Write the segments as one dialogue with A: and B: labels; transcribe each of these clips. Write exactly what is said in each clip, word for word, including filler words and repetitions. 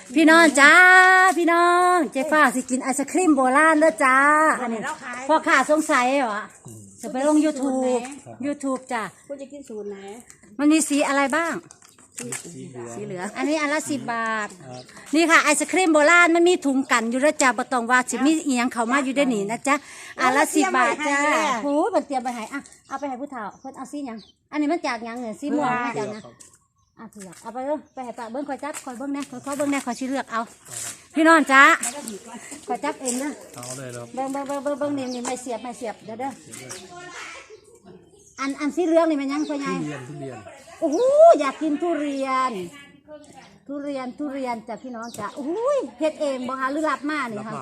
A: พี่น้องจ้าพี่น้องเจ๊ฟ้าสิกินไอศครีมโบราณเด้อจ้าอันนี้พ่อข้าสงสัยเหรอจะไปลง ยูทูบ ยูทูบ จ้ะ
B: คุณจะกินสูตรไหน
A: มันมีสีอะไรบ้างสีเหลืองอันนี้อันละสิบบาทนี่ค่ะไอศครีมโบราณมันมีถุงกันอยู่แล้วจ้าบะตองว่าสิมีเอียงเขามาอยู่ได้หนีนะจ๊ะอันละสิบบาทจ้าโหมันเตรียมไปให้อ่ะเอาไปให้ผู้เฒ่าเพิ่นเอาสีหยังอันนี้มันจากหยังเนี่ยสีม่วงมาจากนะอ่ะเถือกเอาไปเลยไปให้ป้าเบิ้งคอยจับคอยเบิ้งแน่คอยเขาเบิ้งแน่คอยชี้เลือกเอาพี่น้องจ้าคอยจับเองนะเอาเลยเบิ้งเบิ้งเบิ้งเบิ้งเบิ้งนี่นี่ไม่เสียบไม่เสียบเด้อเด้ออันอันสีเหลืองนี่มันยังคอยไงโอ้โหอยากกินทุเรียนทุเรียนทุเรียนจ้ะพี่น้องจ้าโอ้ยเฮ็ดเองบ่คะหรือรับมานี่ค่ะ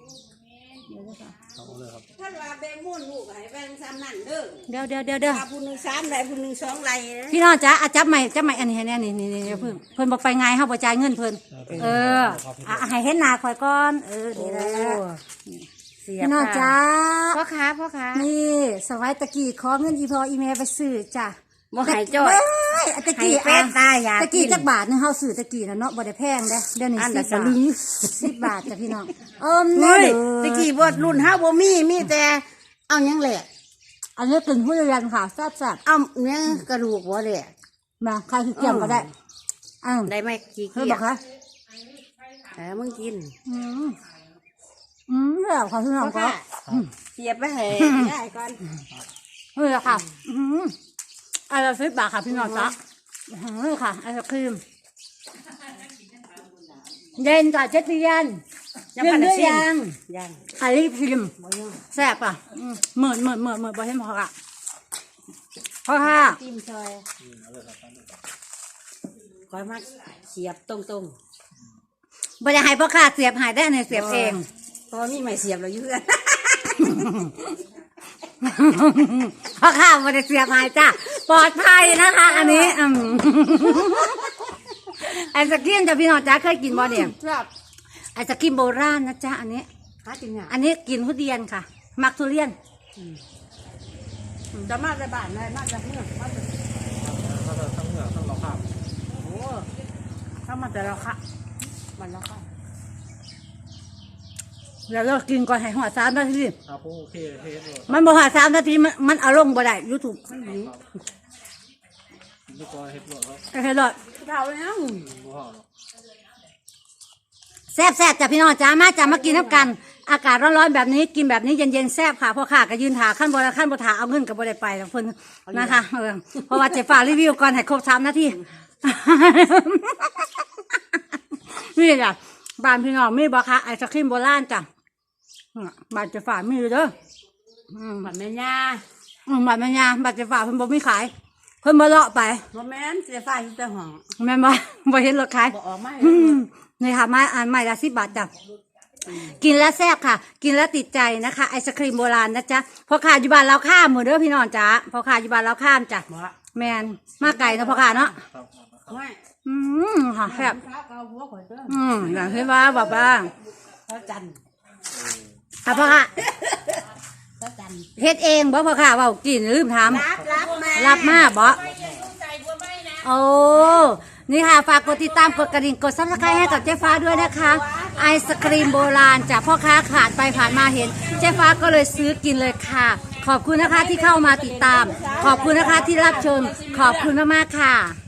B: ท่านว่าแบงมุ่นลูกให้แบงซ้ำนั่นเด้อ
A: เดี๋ยวเดี๋ยวเดี๋ยวเดี๋ยว
B: ผู้หนึ่งสามไรผู้หนึ่งสองไร
A: พี่น้องจ้าอาจับใหม่จับใหม่อันนี้ให้แน่นี่นี่นี่เพิ่นเพิ่นบอกไปไงเฮาบ่จ่ายเงินเพิ่นเอออ่ะให้เห็นหน้าข่อยก่อนเออนี่แหละพี่น้องจ้า
B: พ่อค้าพ่อค้า
A: นี่สมัยตะกี้ขอเงินอีพออีเมลไปซื้อจ้ะ
B: บ่หายจ้อย
A: ตะกี้เป็ดตายยาตะกี้จักบาทนึงเฮาซื้อตะกี้น่ะเนาะบ่ได้แพงเด้เดี๋ยวนี้สิบบาทสิบบาทจ้ะพี่น้องเอิ่ม
B: นี่ตะกี้บ่รุ่นเฮาบ่มีมีแต่เอาหยังแหละ
A: อันนี้กินทุเรียนค่ะแซ่บ
B: ๆเอาเนื้อกระดูกบ่แหละ
A: มาใครสิเกี่ยวก็ได้อ้าว
B: ได้ไหมขี้เกียจ
A: บอกค่ะ
B: เออมึงกิน
A: อืมอืมแล้วค่ะพี่น้องก็
B: เสียบไปให้ได้ก่อน
A: เฮ้ยค่ะอืมอันละสิบบาทค่ะพี่น้องจ๊ะนี่ค่ะไอศครีมเย็นจ้ะเจ็ดเย็นเย็นด้วยยัง
B: ยัง
A: ไอรีฟิล์มแซ่บอ่ะเหมือนเหมือนเหมือนเหมือนบอเห็นพอค่ะพอค่ะ
B: จิ้มซอยคอยมาเสียบตรงตรง
A: บริหารพ่อค่ะเสียบหายได้ในเสียบเอง
B: พอมีไม่เสียบเราเยอะ
A: พ่อข้าวมาได้เสียบหายจ้าปลอดภัยนะคะอันนี้ไอศกรีมจ้ะพี่น้องจ้าเคยกินบ่เนี่ยไอศกรีมโบราณนะจ๊ะอันนี้อันนี้กินทุเรียนค่ะมักทุเรียน
B: จะมาจากบ้านเลยมาจากเมืองมาจาก
C: มาจากทั้งเมืองทั้งเราข้าม
B: โอ้ถ้ามาแต่เราค่ะมันเราค่ะ
A: เดี๋ยวเรากินก่อนให้หัวสามนาที
C: ครับโอเคเทสเลย
A: มันบอกหัวสามนาทีมันมันอารมณ์บ่ได้ยูทูบ
C: ลูกก็เฮ็ดหลอดแล้ว
A: เฮ็ดหลอด
B: เท่าแล้ว
A: แซ่บแซ่บจ้ะพี่น้องจ้ามาจ้ามากินน้ำกันอากาศร้อนๆแบบนี้กินแบบนี้เย็นๆแซ่บค่ะพ่อข้าก็ยืนถาขั้นบนขั้นบนถาเอาเงินกับบ่ได้ไปแล้วเพิ่นนะคะเออเพราะว่าเจ๊ฟ้ารีวิวก่อนให้ครบสามนาทีนี่จ้ะบ้านพี่น้องมีบ่คะไอศครีมโบราณจ้ะบ้านเจ๊ฟ้ามีเด้อ
B: บ้านแม่ย่า
A: บ้านแม่ย่าบ้านเจ๊ฟ้าเพิ่นบ่มีขายเพิ่นบ่เลาะไป
B: บ่แม่นเจ๊ฟ้าอยู่แต่ห้อง
A: แม่นบ่บ่เห็นรถขาย
B: บ่ออกมา
A: นี่ค่ะไม้อันไม้ละสิบบาทจ้ะกินแล้วแซ่บค่ะกินแล้วติดใจนะคะไอศครีมโบราณนะจ๊ะพอขาอยู่บ้านเราข้ามมือเด้อพี่น้องจ้ะพอขาอยู่บ้านเราข้ามจ้ะแมนมาไก่นะพอขาเนาะอืมค่ะแซ่บอืมอย่างที่ว่าบอกว่า
B: พระจันทร์
A: อ่ะพอขาเฮ็ดเองบ่พอขาว่ากินลืมถาม
B: รับรับมา
A: รับมาบ่โอ้นี่ค่ะฝากกดติดตามกดกระดิ่งกดซับสไครต์ให้กับเจ๊ฟ้าด้วยนะคะไอศครีมโบราณจากพ่อค้าขาดไปผ่านมาเห็นเจ๊ฟ้าก็เลยซื้อกินเลยค่ะขอบคุณนะคะที่เข้ามาติดตามขอบคุณนะคะที่รับชมขอบคุณมากๆค่ะ